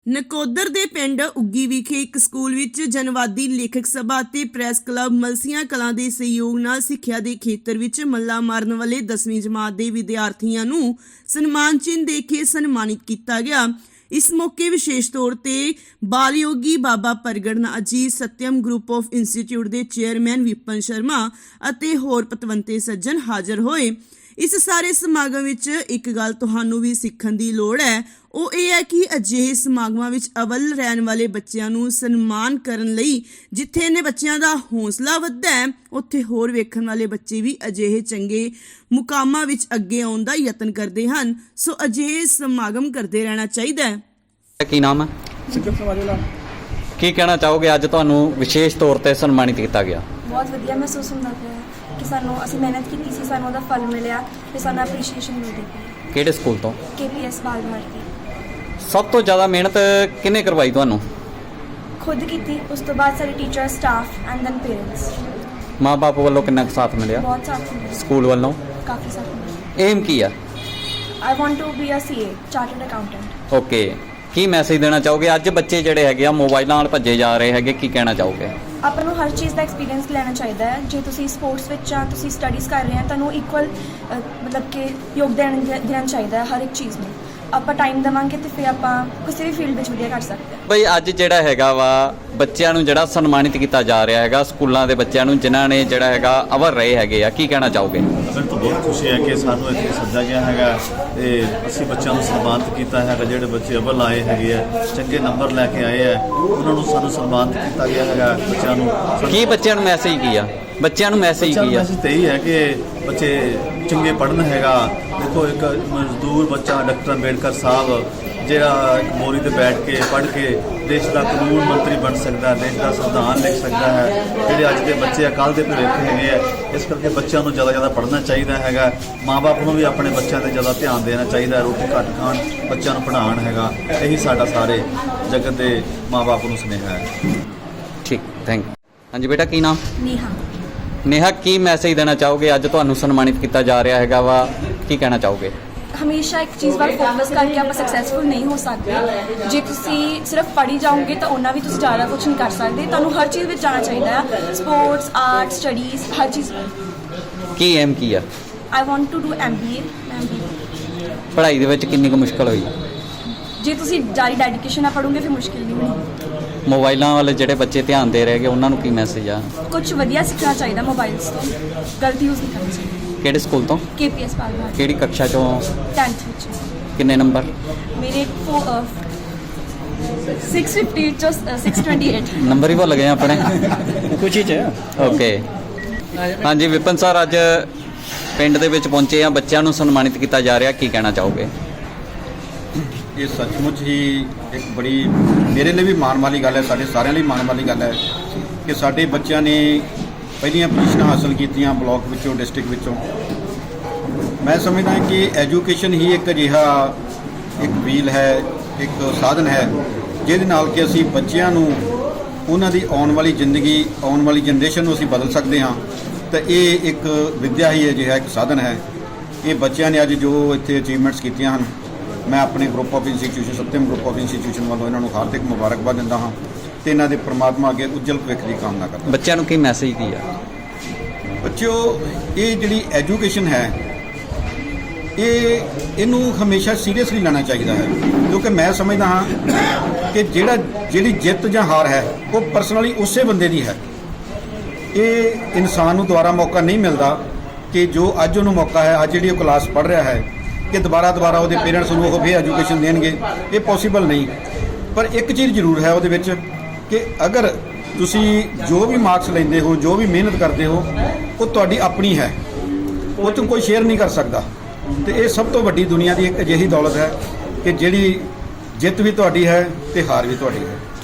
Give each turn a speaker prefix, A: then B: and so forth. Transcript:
A: ਨਕੋਦਰ ਦੇ ਪਿੰਡ ਉੱਗੀ ਵਿਖੇ ਇੱਕ ਸਕੂਲ ਵਿੱਚ ਜਨਵਾਦੀ ਲੇਖਕ ਸਭਾ ਅਤੇ ਪ੍ਰੈਸ ਕਲੱਬ ਮਲਸੀਆਂ ਕਲਾਂ ਦੇ ਸਹਿਯੋਗ ਨਾਲ ਸਿੱਖਿਆ ਦੇ ਖੇਤਰ ਵਿੱਚ ਮੱਲਾ ਮਾਰਨ ਵਾਲੇ 10ਵੀਂ ਜਮਾਤ ਦੇ ਵਿਦਿਆਰਥੀਆਂ ਨੂੰ ਸਨਮਾਨ ਚਿੰਨ੍ਹ ਦੇ ਕੇ ਸਨਮਾਨਿਤ ਕੀਤਾ ਗਿਆ। ਇਸ ਮੌਕੇ ਵਿਸ਼ੇਸ਼ ਤੌਰ ਤੇ Balyogi Baba Pragat Ajit Satyam group of institute ਦੇ ਚੇਅਰਮੈਨ ਵਿਪਨ ਸ਼ਰਮਾ ਅਤੇ ਹੋਰ ਪਤਵੰਤੇ ਸੱਜਣ ਹਾਜ਼ਰ ਹੋਏ। ਇਸ ਸਾਰੇ ਸਮਾਗਮ ਵਿੱਚ ਇੱਕ ਗੱਲ ਤੁਹਾਨੂੰ ਵੀ ਸਿੱਖਣ ਦੀ ਲੋੜ ਹੈ, ਉਹ ਇਹ ਹੈ ਕਿ ਅਜਿਹੇ ਸਮਾਗਮਾਂ ਵਿੱਚ ਅਵਲ ਰਹਿਣ ਵਾਲੇ ਬੱਚਿਆਂ ਨੂੰ ਸਨਮਾਨ ਕਰਨ ਲਈ ਜਿੱਥੇ ਇਹਨਾਂ ਬੱਚਿਆਂ ਦਾ ਹੌਸਲਾ ਵੱਧਦਾ ਹੈ, ਉੱਥੇ ਹੋਰ ਵੇਖਣ ਵਾਲੇ ਬੱਚੇ ਵੀ ਅਜਿਹੇ ਚੰਗੇ ਮੁਕਾਮਾਂ ਵਿੱਚ ਅੱਗੇ ਆਉਣ ਦਾ ਯਤਨ ਕਰਦੇ ਹਨ। ਸੋ ਅਜਿਹੇ ਸਮਾਗਮ ਕਰਦੇ ਰਹਿਣਾ ਚਾਹੀਦਾ ਹੈ।
B: ਕੀ ਨਾਮ ਹੈ? ਕੀ ਕਹਿਣਾ ਚਾਹੋਗੇ ਅੱਜ ਤੁਹਾਨੂੰ ਵਿਸ਼ੇਸ਼ ਤੌਰ ਤੇ ਸਨਮਾਨਿਤ ਕੀਤਾ ਗਿਆ?
C: ਬਹੁਤ ਵਧੀਆ ਮਹਿਸੂਸ ਹੁੰਦਾ ਪਿਆ ਕਿ ਅਸੀਂ ਮਿਹਨਤ ਕੀਤੀ ਸੀ, ਸਾਨੂੰ ਉਹਦਾ ਫਲ ਮਿਲਿਆ ਤੇ ਸਾਨੂੰ ਐਪਰੀਸ਼ੀਏਸ਼ਨ ਮਿਲਦੀ ਪਈ।
B: ਕਿਹੜੇ ਸਕੂਲ ਤੋਂ?
C: KPS ਬਾਲ ਭਾਰਤੀ।
B: ਸਭ ਤੋਂ ਜ਼ਿਆਦਾ ਮਿਹਨਤ ਕਿਹਨੇ ਕਰਵਾਈ ਤੁਹਾਨੂੰ?
C: ਖੁਦ ਕੀਤੀ, ਉਸ ਤੋਂ ਬਾਅਦ ਸਾਰੇ teacher, staff and then parents.
B: ਮਾਂ-ਬਾਪ ਵੱਲੋਂ ਕਿੰਨਾ ਕੁ ਸਾਥ ਮਿਲਿਆ?
C: ਬਹੁਤ ਸਾਥ ਮਿਲਿਆ।
B: ਸਕੂਲ ਵੱਲੋਂ
C: ਕਾਫੀ ਸਾਥ ਮਿਲਿਆ।
B: ਏਮ ਕੀ ਆ?
C: I want to be a CA, chartered accountant.
B: Okay, ਕੀ ਮੈਸੇਜ ਦੇਣਾ ਚਾਹੋਗੇ? ਅੱਜ ਬੱਚੇ ਜਿਹੜੇ ਹੈਗੇ ਆ ਮੋਬਾਈਲਾਂ ਨਾਲ ਭੱਜੇ ਜਾ ਰਹੇ ਹੈਗੇ, ਕੀ ਕਹਿਣਾ ਚਾਹੋਗੇ?
C: ਆਪਾਂ ਨੂੰ ਹਰ ਚੀਜ਼ ਦਾ ਐਕਸਪੀਰੀਅੰਸ ਲੈਣਾ ਚਾਹੀਦਾ ਹੈ। ਜੇ ਤੁਸੀਂ ਸਪੋਰਟਸ ਵਿੱਚ ਜਾਂ ਤੁਸੀਂ ਸਟੱਡੀਜ਼ ਕਰ ਰਹੇ ਹੋ, ਤੁਹਾਨੂੰ ਇਕੁਅਲ ਮਤਲਬ ਕਿ ਯੋਗਦਾਨ ਦੇਣਾ ਚਾਹੀਦਾ ਹੈ ਹਰ ਇੱਕ ਚੀਜ਼ ਨੂੰ। ਆਪਾਂ ਟਾਈਮ ਦੇਵਾਂਗੇ ਤੇ ਫਿਰ ਆਪਾਂ ਕਿਸੇ ਵੀ ਫੀਲਡ ਵਿੱਚ ਵਧੀਆ ਕਰ ਸਕਦੇ ਹਾਂ।
B: ਬਈ ਅੱਜ ਜਿਹੜਾ ਹੈਗਾ ਵਾ ਬੱਚਿਆਂ ਨੂੰ ਜਿਹੜਾ ਸਨਮਾਨਿਤ ਕੀਤਾ ਜਾ ਰਿਹਾ ਹੈਗਾ, ਸਕੂਲਾਂ ਦੇ ਬੱਚਿਆਂ ਨੂੰ ਜਿਨ੍ਹਾਂ ਨੇ ਜਿਹੜਾ ਹੈਗਾ ਅਵਲ ਰਹੇ ਹੈਗੇ ਆ, ਕੀ ਕਹਿਣਾ ਚਾਹੋਗੇ?
D: ਮੈਨੂੰ ਤਾਂ ਬਹੁਤ ਖੁਸ਼ੀ ਹੈ ਕਿ ਸਾਨੂੰ ਇੱਥੇ ਸੱਦਾ ਗਿਆ ਹੈਗਾ ਤੇ ਅਸੀਂ ਬੱਚਿਆਂ ਨੂੰ ਸਨਮਾਨਿਤ ਕੀਤਾ ਹੈਗਾ। ਜਿਹੜੇ ਬੱਚੇ ਅਵਲ ਆਏ ਹੈਗੇ ਆ, ਚੰਗੇ ਨੰਬਰ ਲੈ ਕੇ ਆਏ ਆ, ਉਹਨਾਂ ਨੂੰ ਸਾਨੂੰ ਸਨਮਾਨਿਤ ਕੀਤਾ ਗਿਆ ਹੈਗਾ। ਬੱਚਿਆਂ ਨੂੰ
B: ਕੀ ਬੱਚਿਆਂ ਨੂੰ ਮੈਸੇਜ ਕੀ ਆ? ਬੱਚਿਆਂ ਨੂੰ ਮੈਸੇਜ ਕੀ ਆ?
D: ਮੈਸੇਜ ਤਾਂ ਇਹੀ ਹੈ ਕਿ ਬੱਚੇ ਚੰਗੇ ਪੜ੍ਹਨ ਹੈਗਾ। ਦੇਖੋ, ਇੱਕ ਮਜ਼ਦੂਰ ਬੱਚਾ ਡਾਕਟਰ ਅੰਬੇਡਕਰ ਸਾਹਿਬ ਜਿਹੜਾ ਇੱਕ ਮੋਰੀ ਤੇ ਬੈਠ ਕੇ ਪੜ੍ਹ ਕੇ ਦੇਸ਼ ਦਾ ਕਾਨੂੰਨ ਮੰਤਰੀ ਬਣ ਸਕਦਾ, ਦੇਸ਼ ਦਾ ਸੰਵਿਧਾਨ ਲਿਖ ਸਕਦਾ ਹੈ। ਜਿਹੜੇ ਅੱਜ ਦੇ ਬੱਚੇ ਆ ਕੱਲ੍ਹ ਦੇ ਭਵਿੱਖ ਹੈਗੇ ਆ, ਇਸ ਕਰਕੇ ਬੱਚਿਆਂ ਨੂੰ ਜ਼ਿਆਦਾ ਪੜ੍ਹਨਾ ਚਾਹੀਦਾ ਹੈਗਾ। ਮਾਂ-ਬਾਪ ਨੂੰ ਵੀ ਆਪਣੇ ਬੱਚਿਆਂ 'ਤੇ ਜ਼ਿਆਦਾ ਧਿਆਨ ਦੇਣਾ ਚਾਹੀਦਾ। ਰੋਟੀ ਘੱਟ ਖਾਣ, ਬੱਚਿਆਂ ਨੂੰ ਪੜ੍ਹਾਉਣ ਹੈਗਾ। ਇਹੀ ਸਾਡਾ ਸਾਰੇ ਜਗਤ ਦੇ ਮਾਂ-ਬਾਪ ਨੂੰ ਸੁਨੇਹਾ ਹੈ।
B: ਠੀਕ, ਥੈਂਕ ਯੂ। ਹਾਂਜੀ ਬੇਟਾ, ਕੀ ਨਾਮ? ਨੇਹਾ, ਕੀ ਮੈਸੇਜ ਦੇਣਾ ਚਾਹੋਗੇ? ਅੱਜ ਤੁਹਾਨੂੰ ਸਨਮਾਨਿਤ ਕੀਤਾ ਜਾ ਰਿਹਾ ਹੈਗਾ ਵਾ, ਕੀ ਕਹਿਣਾ ਚਾਹੋਗੇ?
C: ਹਮੇਸ਼ਾ ਇੱਕ ਚੀਜ਼ ਵੱਲ ਫੋਕਸ ਕਰਕੇ ਆਪਾਂ ਸਕਸੈਸਫੁਲ ਨਹੀਂ ਹੋ ਸਕਦੇ। ਜੇ ਤੁਸੀਂ ਸਿਰਫ ਪੜ੍ਹੀ ਜਾਓਗੇ ਤਾਂ ਉਹਨਾਂ ਵੀ ਤੁਸੀਂ ਜ਼ਿਆਦਾ ਕੁਝ ਨਹੀਂ ਕਰ ਸਕਦੇ। ਤੁਹਾਨੂੰ ਹਰ ਚੀਜ਼ ਵਿੱਚ ਜਾਣਾ ਚਾਹੀਦਾ ਹੈ, ਸਪੋਰਟਸ, ਆਰਟ, ਸਟੱਡੀਜ਼, ਹਰ ਚੀਜ਼।
B: ਕੀ ਏਮ ਕੀ ਆ?
C: I want to do MBA।
B: ਪੜ੍ਹਾਈ ਦੇ ਵਿੱਚ ਕਿੰਨੀ ਕੁ ਮੁਸ਼ਕਲ ਹੋਈ?
C: ਜੇ ਤੁਸੀਂ ਜਾਰੀ ਡੈਡੀਕੇਸ਼ਨ ਨਾਲ ਪੜ੍ਹੋਗੇ ਫਿਰ ਮੁਸ਼ਕਿਲ ਨਹੀਂ ਹੋਣੀ।
B: ਮੋਬਾਈਲਾਂ ਵਾਲੇ ਜਿਹੜੇ ਬੱਚੇ ਧਿਆਨ ਦੇ ਰਹੇਗੇ ਉਹਨਾਂ ਨੂੰ ਕੀ ਮੈਸੇਜ ਆ?
C: ਕੁਝ ਵਧੀਆ ਸਿੱਖਣਾ ਚਾਹੀਦਾ ਮੋਬਾਈਲਸ ਤੋਂ, ਗਲਤ ਯੂਜ਼ ਨਹੀਂ ਕਰਨਾ ਚਾਹੀਦਾ।
B: ਕਿਹੜੇ ਸਕੂਲ ਤੋਂ?
C: KPS ਬਾਲ ਭਾਰਤੀ।
B: ਕਿਹੜੀ ਕਕਸ਼ਾ ਚੋਂ?
C: 10th ਵਿੱਚ।
B: ਕਿੰਨੇ ਨੰਬਰ?
C: ਮੇਰੇ 650 ਚੋਂ 628
B: ਨੰਬਰ ਹੀ ਭੁੱਲ ਗਏ ਆਪਣੇ
E: ਕੁਛ ਹੀ ਚ।
B: ਓਕੇ, ਹਾਂਜੀ ਵਿਪਨ ਸਰ, ਅੱਜ ਪਿੰਡ ਦੇ ਵਿੱਚ ਪਹੁੰਚੇ ਆ, ਬੱਚਿਆਂ ਨੂੰ ਸਨਮਾਨਿਤ ਕੀਤਾ ਜਾ ਰਿਹਾ, ਕੀ ਕਹਿਣਾ ਚਾਹੋਗੇ?
E: ਇਹ ਸੱਚਮੁੱਚ ਹੀ ਇੱਕ ਬੜੀ ਮੇਰੇ ਲਈ ਵੀ ਮਾਣ ਵਾਲੀ ਗੱਲ ਹੈ, ਸਾਡੇ ਸਾਰਿਆਂ ਲਈ ਮਾਣ ਵਾਲੀ ਗੱਲ ਹੈ ਕਿ ਸਾਡੇ ਬੱਚਿਆਂ ਨੇ ਪਹਿਲੀਆਂ ਪੋਜੀਸ਼ਨਾਂ ਹਾਸਲ ਕੀਤੀਆਂ ਬਲਾਕ ਵਿੱਚੋਂ, ਡਿਸਟ੍ਰਿਕਟ ਵਿੱਚੋਂ। ਮੈਂ ਸਮਝਦਾ ਕਿ ਐਜੂਕੇਸ਼ਨ ਹੀ ਇੱਕ ਅਜਿਹਾ ਇੱਕ ਵੀਲ ਹੈ, ਇੱਕ ਸਾਧਨ ਹੈ ਜਿਹਦੇ ਨਾਲ ਕਿ ਅਸੀਂ ਬੱਚਿਆਂ ਨੂੰ ਉਹਨਾਂ ਦੀ ਆਉਣ ਵਾਲੀ ਜ਼ਿੰਦਗੀ, ਆਉਣ ਵਾਲੀ ਜਨਰੇਸ਼ਨ ਨੂੰ ਅਸੀਂ ਬਦਲ ਸਕਦੇ ਹਾਂ। ਤਾਂ ਇਹ ਇੱਕ ਵਿੱਦਿਆ ਹੀ ਅਜਿਹਾ ਇੱਕ ਸਾਧਨ ਹੈ। ਇਹ ਬੱਚਿਆਂ ਨੇ ਅੱਜ ਜੋ ਇੱਥੇ ਅਚੀਵਮੈਂਟਸ ਕੀਤੀਆਂ ਹਨ, ਮੈਂ ਆਪਣੇ group of institution, Satyam group of institution ਵੱਲੋਂ ਇਹਨਾਂ ਨੂੰ ਹਾਰਦਿਕ ਮੁਬਾਰਕਬਾਦ ਦਿੰਦਾ ਹਾਂ ਤੇ ਇਹਨਾਂ ਦੇ ਪ੍ਰਮਾਤਮਾ ਅੱਗੇ ਉੱਜਲ ਭਵਿੱਖ ਦੀ ਕਾਮਨਾ ਕਰਦਾ।
B: ਬੱਚਿਆਂ ਨੂੰ ਕੀ ਮੈਸੇਜ ਕੀ ਆ?
E: ਬੱਚਿਓ, ਇਹ ਜਿਹੜੀ ਐਜੂਕੇਸ਼ਨ ਹੈ ਇਹਨੂੰ ਹਮੇਸ਼ਾ ਸੀਰੀਅਸਲੀ ਲੈਣਾ ਚਾਹੀਦਾ ਹੈ, ਕਿਉਂਕਿ ਮੈਂ ਸਮਝਦਾ ਹਾਂ ਕਿ ਜਿਹੜੀ ਜਿੱਤ ਜਾਂ ਹਾਰ ਹੈ ਉਹ ਪਰਸਨਲੀ ਉਸੇ ਬੰਦੇ ਦੀ ਹੈ। ਇਹ ਇਨਸਾਨ ਨੂੰ ਦੁਬਾਰਾ ਮੌਕਾ ਨਹੀਂ ਮਿਲਦਾ ਕਿ ਜੋ ਅੱਜ ਉਹਨੂੰ ਮੌਕਾ ਹੈ, ਅੱਜ ਜਿਹੜੀ ਉਹ ਕਲਾਸ ਪੜ੍ਹ ਰਿਹਾ ਹੈ, ਕਿ ਦੁਬਾਰਾ ਉਹਦੇ ਪੇਰੈਂਟਸ ਨੂੰ ਉਹ ਫਿਰ ਐਜੂਕੇਸ਼ਨ ਦੇਣਗੇ। ਇਹ ਪੋਸੀਬਲ ਨਹੀਂ। ਪਰ ਇੱਕ ਚੀਜ਼ ਜ਼ਰੂਰ ਹੈ ਉਹਦੇ ਵਿੱਚ ਕਿ ਅਗਰ ਤੁਸੀਂ ਜੋ ਵੀ ਮਾਰਕਸ ਲੈਂਦੇ ਹੋ, ਜੋ ਵੀ ਮਿਹਨਤ ਕਰਦੇ ਹੋ, ਉਹ ਤੁਹਾਡੀ ਆਪਣੀ ਹੈ, ਉਹ ਤੋਂ ਕੋਈ ਸ਼ੇਅਰ ਨਹੀਂ ਕਰ ਸਕਦਾ। ਤੇ ਇਹ ਸਭ ਤੋਂ ਵੱਡੀ ਦੁਨੀਆ ਦੀ ਇੱਕ ਅਜਿਹੀ ਦੌਲਤ ਹੈ ਕਿ ਜਿਹੜੀ ਜਿੱਤ ਵੀ ਤੁਹਾਡੀ ਹੈ ਤੇ ਹਾਰ ਵੀ ਤੁਹਾਡੀ ਹੈ।